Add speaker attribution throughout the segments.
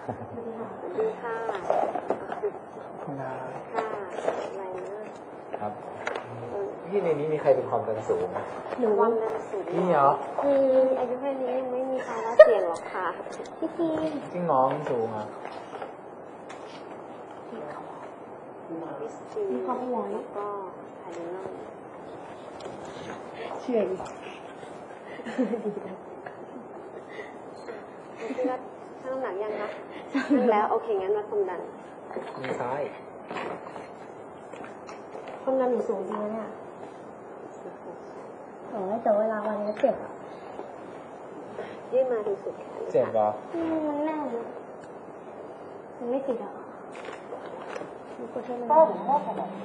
Speaker 1: ดีค่ะ
Speaker 2: คุณนา
Speaker 1: ค่ะอะไรนะครับ
Speaker 2: พี่ในนี้มีใครเป็นความดันสูงไหม
Speaker 1: หนูความดันสูง
Speaker 2: พี่เหรอ
Speaker 1: อายุแค่นี้ยังไม่มีภาวะเสี่ยงหรอกค่ะพี่ที
Speaker 2: จริงเหรอมันสูงอ่ะ
Speaker 1: วิสตีแล้วก็ไฮโดรนอนเชื่อดิพี่ว่าชั่งน้ำหนักยังคะชั่งแล้วโอเคงั้นวัดความดัน
Speaker 2: มือซ้าย
Speaker 3: ความดันหนูสูงจริงเนี่ยแต่เวลาวันนี้เจ็บอ่ะ
Speaker 1: ยื่นมาถึงสุดแขน
Speaker 2: เจ็บเหรอ
Speaker 3: มันแน่นมันไม่ติดอ่ะมันก็ใช่ไหมเจ็บมันรัด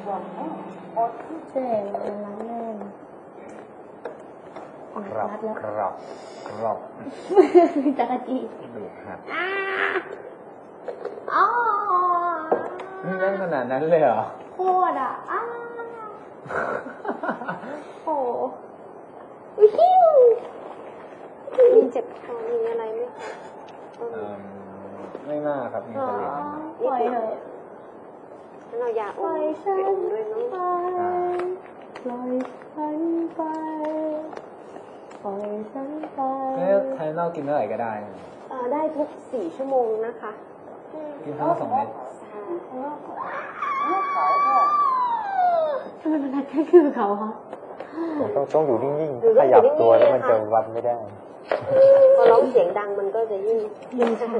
Speaker 3: แน่น
Speaker 2: ครับ
Speaker 3: รัดแล้ว
Speaker 2: ครับครับ
Speaker 3: จักรจี
Speaker 2: ดูครับ
Speaker 3: อ๋อ
Speaker 2: นี่นั่นขนาดนั้นเลยเหรอ
Speaker 3: โคตรอ่ะโอ้วิว
Speaker 1: มีเจ็บคอมีอะไรไหมคะ
Speaker 2: ไม่น่าครับมีกระเหลี่ยง
Speaker 3: ปล่อยเถอะ
Speaker 1: งั้นเรายาอ
Speaker 3: ปล่
Speaker 1: ม
Speaker 3: อย
Speaker 1: ไป
Speaker 3: ฉัน
Speaker 1: อมด้วยเนาะ
Speaker 3: ไปปล่อยฉันไปปล่อยฉันไป
Speaker 2: ไทยนอกกินเท่าไหร่ก็ได้
Speaker 1: ได้ทุก4 ชั่วโมงนะคะ
Speaker 2: กินเท่า2 เม็ด
Speaker 3: ทำไมมันนัดแค่คือเขาคะ
Speaker 4: ต้องอยู่นิ่งๆ ขยับตัวแล้วมันจะวัดไม่ได้
Speaker 1: พอร้องเสียงดังมันก็จะยิ่ง
Speaker 3: ชา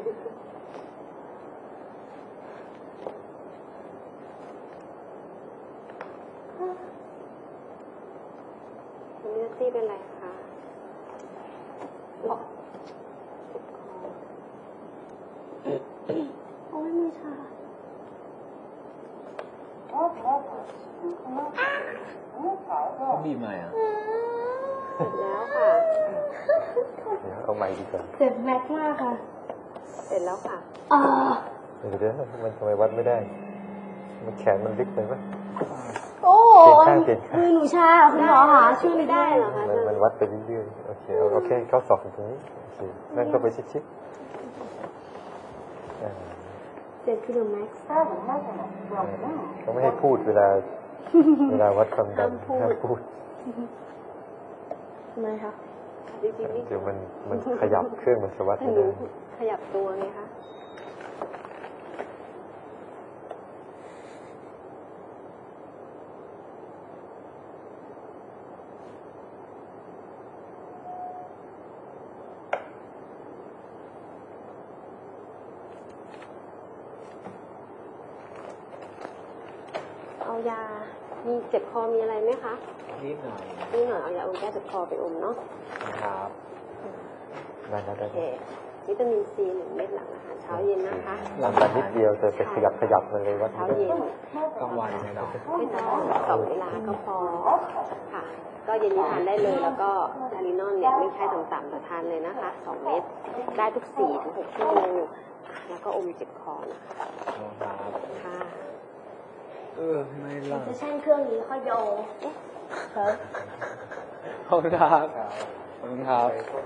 Speaker 1: คุณเนื้อตี้เป็นไรคะเจ็บคอ
Speaker 3: โอ้ยมือชา
Speaker 2: บีบใหม่อ่ะ
Speaker 1: เสร็จแล้วค่ะ
Speaker 4: เดี๋ยวเอาใหม่ดีกว่า
Speaker 3: เจ็บแม็กมากค่ะ
Speaker 1: เสร็จแล้วค่ะ
Speaker 4: เดี๋ยวมันทำไมวัดไม่ได้ มันแขนมันลึกไปไหม
Speaker 3: โอ้
Speaker 4: เปลี่ยนข้างเปลี่ยนข้าง
Speaker 3: มือหนูชาคุณหมอหาช่วยไม่ได้
Speaker 1: ได้เหรอคะ
Speaker 4: มันวัดไปเรื่อยๆ โอเคโอเคเข้าศอกตรงนี้โอเคนั่นก็ไปชิดๆ
Speaker 3: เจ็บคือแม็ก
Speaker 4: เขาไม่ให้พูดเวลาวัดความดันห้ามพูด
Speaker 3: ทำไมคะ
Speaker 1: จริงๆนี่
Speaker 4: เดี๋ยวมันขยับเครื่องมันจะวัด
Speaker 1: ถ้า
Speaker 4: ไม่
Speaker 1: หนู
Speaker 4: ได้
Speaker 1: ขยับตัวไงคะเอายา มีเจ็บคอมีอะไรไหมคะ
Speaker 2: นิดหน่อย
Speaker 1: นี่หน่อยเอายาอมแก้เจ็บคอไปอมเนาะ
Speaker 2: นะครับ
Speaker 4: ได้แล้ว
Speaker 1: โอเค วิตามินซี1 เม็ดหลังอาหารเช้าเย็นนะคะ
Speaker 4: หลังจากนิดเดียวจะไปขยับมันเลยวัด
Speaker 1: เช้า
Speaker 4: ไม่ได้
Speaker 1: เย็น
Speaker 2: กลางวันไม่ต้อง
Speaker 1: ไม่ต้อง2 เวลาก็พอค่ะ ก็เย็นนี้ทานได้เลย แล้วก็ทารินอนเนี่ยไม่ใช่ต่ำๆแต่ทานเลยนะคะ2 เม็ดได้ทุก4-6 ชั่วโมงแล้วก็อมเจ็บคอนะคะ
Speaker 2: ครับ
Speaker 1: ค่ะ
Speaker 2: ไม่ล่ะ
Speaker 3: จะแช่งเครื่องนี้ค่อยโยครับ
Speaker 2: ขอบคุณครับขอบคุณครับ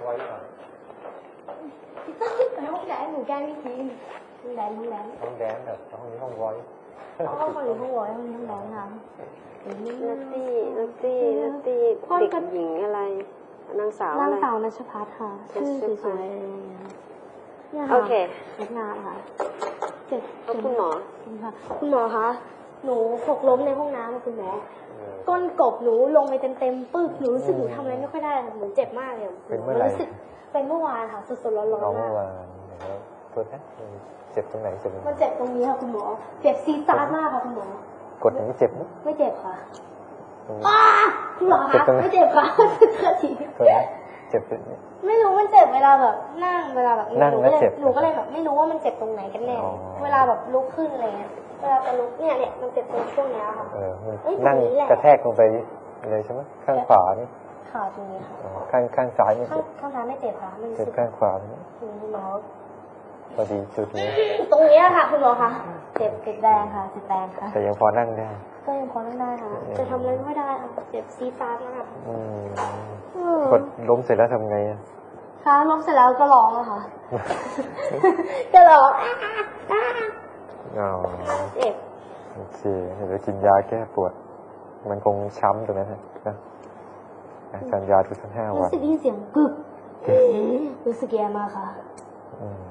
Speaker 3: ไปห้องแดนหนูแกล้งพี่ทีห้องแดน
Speaker 4: ห้องแดนแบบห้องนี้ห้องไว้
Speaker 3: ห้องคนหรือห้องวอยห้องนี้ห้องแดนค่ะ
Speaker 1: นัตตี้เด็กหญิงอะไร นางสาวอะ
Speaker 3: นาง
Speaker 1: ไร
Speaker 3: สาวนัชพัฒน์ค่ะชื่อสวยๆเนี่ย
Speaker 1: โอ
Speaker 3: ค่ะ
Speaker 1: เค
Speaker 3: เล็กงานค่ะเจ็บ
Speaker 1: แล้วคุณหมอ
Speaker 3: ค่ะคุณหมอคะหนูหกล้มในห้องน้ำคุณหมอก้นกบหนูลงไปเต็มๆปึ๊กหนูรู้สึกหนูทำอะไรไม่ค่อยได้เหมือนเจ็บมากเลย
Speaker 4: เป็นเมื่อไหร่
Speaker 3: รู้สึกเป็นเมื่อวานค่ะสดๆร้อน
Speaker 4: น้อง
Speaker 3: ๆมา
Speaker 4: เมื่อก วานนะครับโทษนะเจ็บตรงไหนเจ็บตรงไหน
Speaker 3: มันเจ็บตรงนี้ค่ะคุณหมอเจ็บซีดซาร์มากค่ะคุณหมอก
Speaker 4: ดอย่างนี้เจ็บไหม
Speaker 3: ไม่เจ็บค่ะ
Speaker 4: ตรงนี้
Speaker 3: คุณหมอ
Speaker 4: เจ็บ
Speaker 3: คะ
Speaker 4: ตรงไหน
Speaker 3: ไม่เจ็บค่ะเชื่อที
Speaker 4: โทษนะเจ็บตรงนี้
Speaker 3: ไม่รู้มันเจ็บเวลาแบบนั่งเวลาแบบ
Speaker 4: นั่งแล้วเจ็บ
Speaker 3: หนูก็เลยแบบไม่รู้ว่ามันเจ็บตรงไหนกันแน่
Speaker 4: อ๋อ
Speaker 3: เวลาแบบลุกขึ้นอะไรเงี้ยเวลาจะลุกเนี่ยมันเจ็บตรงช่วงเนี้ยค่ะ
Speaker 4: มัน
Speaker 3: เอ้ย
Speaker 4: นั่ง
Speaker 3: ตรงนี้แหละ
Speaker 4: กระแทกลงไปเลยใช่ไหมข้างขวานี่
Speaker 3: ขาตรงนี้ค่ะ
Speaker 4: อ๋อข้างซ้ายไม่
Speaker 3: ข้าง
Speaker 4: เจ็บ
Speaker 3: ข้างซ้ายไม่เจ็บค่ะมันรู้
Speaker 4: เจ็บ
Speaker 3: สึก
Speaker 4: ข้างขวานี่
Speaker 3: คุณหมอ
Speaker 4: พอดีจุดนี้
Speaker 3: ตรงเนี้ยค่ะคุณหมอคะเจ็บแรงค่ะเจ็บแรงค่ะ
Speaker 4: แต่ยังพอนั่งได้
Speaker 3: ก็ยังพอนั่งได้ค่ะจะทำอะไรไม่ค่อยได้ค่ะเจ็บซีดซาร์มาก
Speaker 4: กดล้มเสร็จแล้วทำไงอะ
Speaker 3: ทคะล้มเสร็จแล้วก็ร้องอะค่ะ ก็ร้อง
Speaker 4: อ๋อ
Speaker 3: เจ็บ
Speaker 4: โอเคเดี๋ยวกินยาแก้ปวด มันคงช้ำตรงนั้นนะทานยาทุก5 วั
Speaker 3: รู้
Speaker 4: น
Speaker 3: สึกได้ยินเสียงกึกรู้สึกแย่มากค่ะ
Speaker 4: อืม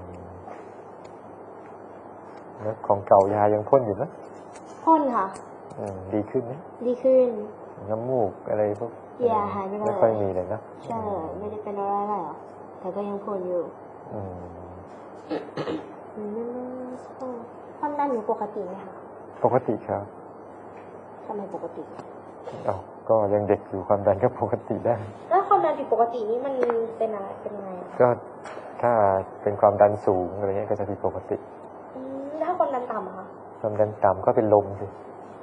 Speaker 4: แล้วของเก่ายายังพ่นอยู่นะ
Speaker 3: พ่นค่ะ
Speaker 4: ดีขึ้นไหม
Speaker 3: ดีขึ้น
Speaker 4: น้ำมูกอะไรพวก
Speaker 3: ยาหายไปเลย
Speaker 4: ไม่ค่อยมีเลยนะ
Speaker 3: ใช่ไม่ได้เป็นอะไรหรอกแต่ก็ยังพ่นอยู่
Speaker 4: อืม
Speaker 3: ความดันหนูปกติไหมคะ
Speaker 4: ปกติครับ
Speaker 3: ทำไมปกติ
Speaker 4: อ้าวก็ยังเด็กอยู่ความดันก็ปกติได้
Speaker 3: แล้วความดันผิดปกตินี่มันเป็นอะไรเป็นยังไงอะ
Speaker 4: ก็ถ้าเป็นความดันสูงอะไรเงี้ยก็จะผิดปกติ
Speaker 3: แล้วถ้าความดันต่ำอะคะ
Speaker 4: ความดันต่ำก็เป็นลมสิ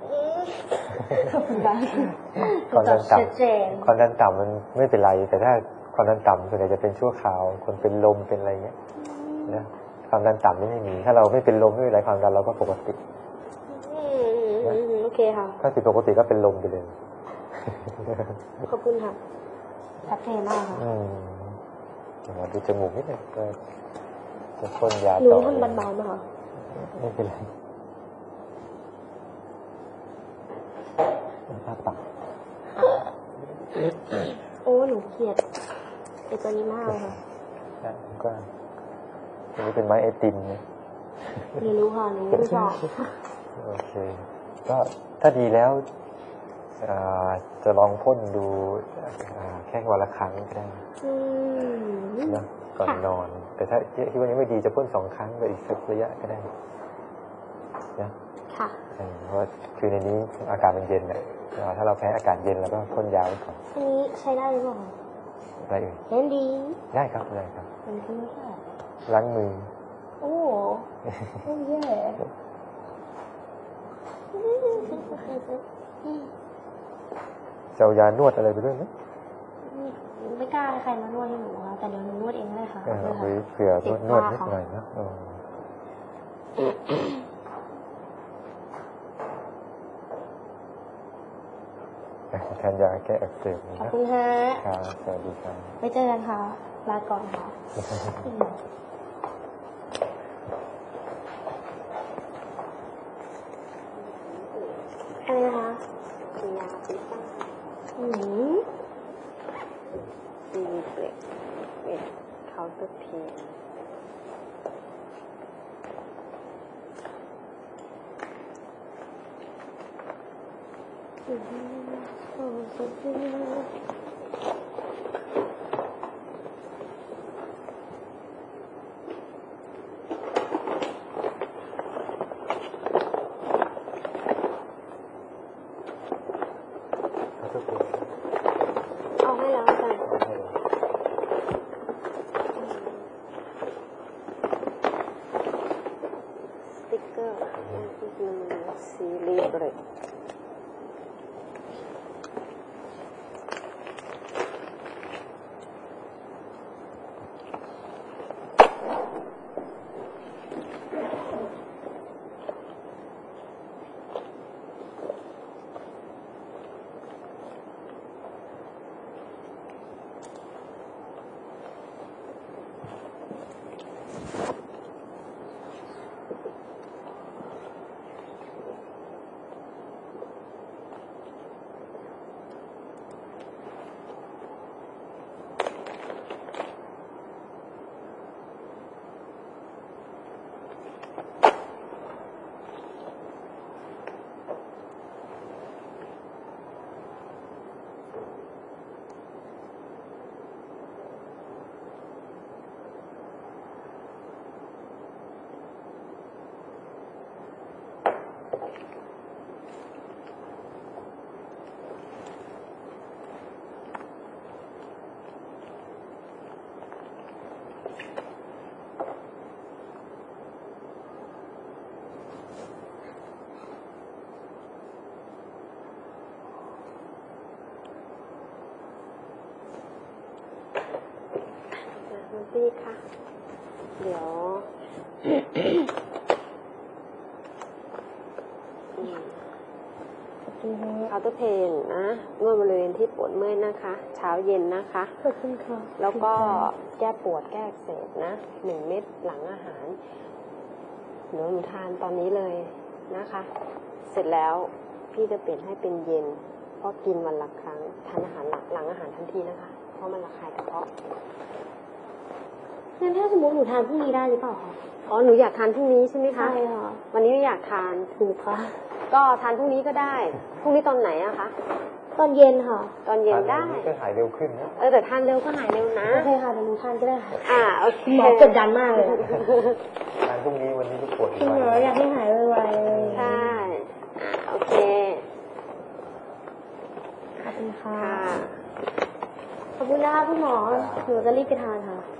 Speaker 3: ความดัน
Speaker 4: ความดันต่
Speaker 3: ชัดเจน
Speaker 4: ำความดันต่ำมันไม่เป็นไร แต่ถ้าความดันต่ำส่วนใหญ่จะเป็นชั่วคราว คนเป็นลมเป็นอะไรเงี้ยนะความดันต่ำนี่ไม่มี ถ้าเราไม่เป็นลมไม่เป็นไรความดันเราก็ปกติ
Speaker 3: โอเคค่ะ
Speaker 4: ถ้าผิดปกติก็เป็นลมไปเลย
Speaker 3: ขอบคุณค่ะชัดเจนมากค่ะ
Speaker 4: เดี๋ยวดูจมูกนิดหนึงก็จะพ่นยา
Speaker 3: หนู
Speaker 4: ต่อ
Speaker 3: ทำเบาๆไหมคะ
Speaker 4: ไม่เป็นไรอ้าปาก
Speaker 3: โอ้หนูเกลียดไอตัวนี้มากเลยค่ะ
Speaker 4: ก็อันนี้เป็นไม้ไอติมเนี่ย
Speaker 3: หนูรู้ค่ะหนูไม่ชอบ
Speaker 4: โอเค ก็ถ้าดีแล้วจะลองพ่นดูแค่วันละครั้งก็ได้นะก่อนนอน แต่ถ้าที่วันนี้ไม่ดีจะพ่น2 ครั้งไปอีกสักระยะก็ได้นะ
Speaker 3: ค่ะ
Speaker 4: เพราะว่าคือในนี้อากาศมันเย็นเนี่ยถ้าเราแพ้อากาศเย็นแล้วก็พ่นยาไว้ก่อน
Speaker 3: อันนี้ใช้ได้หรือเปล่าคะ
Speaker 4: อะไรอื่น
Speaker 3: เล่นดี
Speaker 4: ได้ครับได้ครับ
Speaker 3: มันคือไม่ใช่
Speaker 4: ล้างมือ
Speaker 3: โอ้โอ้แย่
Speaker 4: จะเอายานวดอะไรไปด้วยไหม
Speaker 3: ไม่กล้าให้ใครมานวดให้หนูค่ะแต่เดี๋ยวหนูนวดเองเลยค่ะ
Speaker 4: เอาไว้เผื่อนวดนิดหน่อยนะทานยาแก้อักเสบ
Speaker 3: ขอบ
Speaker 4: นะ
Speaker 3: คุณฮะ
Speaker 4: ครับสวัสดีครับ
Speaker 3: ไปเจอกันค่ะ ลาก่อนค่ะ อะไรนะคะ
Speaker 1: เป็นยาพิษบ้าง
Speaker 3: อืม
Speaker 1: ซีเบรกเป็นเคาน์เตอร์เพน เอาให้แล้วกันสติ๊กเกอร์ซีรีส์เบรกคุณพี่คะเดี๋ยวเคาน์เตอร์เพนนะนวดบริเวณที่ปวดเมื่อยนะคะ เช้าเย็นนะคะ
Speaker 3: ขอบคุณค่ะ
Speaker 1: แล้วก็แก้ปวดแก้อักเสบนะ1 เม็ดหลังอาหารหนูทานตอนนี้เลยนะคะ เสร็จแล้วพี่จะเปลี่ยนให้เป็นเย็น เพราะกินวันละครั้งทานอาหารหลังอาหารทันทีนะคะ เพราะมันระคายกระเพาะ
Speaker 3: งั้นถ้าสมมติหนูทานพรุ่งนี้ได้หรือเปล่าคะ
Speaker 1: อ๋อหนูอยากทานพรุ่งนี้ใช่ไหมคะ
Speaker 3: ใช่ค่ะ
Speaker 1: วันนี้ไม่อยากทาน
Speaker 3: ถูกค่ะ
Speaker 1: ก็ทานพรุ่งนี้ก็ได้พรุ่งนี้ตอนไหนอะคะ
Speaker 3: ตอนเย็นค่ะ
Speaker 1: ตอนเย็นได้
Speaker 4: ก็หายเร็วขึ้นนะ
Speaker 1: แต่ทานเร็วก็หายเร็วนะ
Speaker 3: โอเคค่ะเดี๋ยวหนูทานก็ได้ค่ะ
Speaker 1: โอเค
Speaker 3: หมอกดดันมากเลยอะ
Speaker 4: ทานพรุ่งนี้วันนี้ก็ปวดอี
Speaker 3: คุณ
Speaker 4: ก
Speaker 3: หมออยากให้หายไวๆเลย
Speaker 1: ใช่โอเค
Speaker 3: ขอบคุณค่ะ
Speaker 1: ค่ะ
Speaker 3: ขอบคุณนะคะคุณหมอหนูจะรีบไปทานค่ะ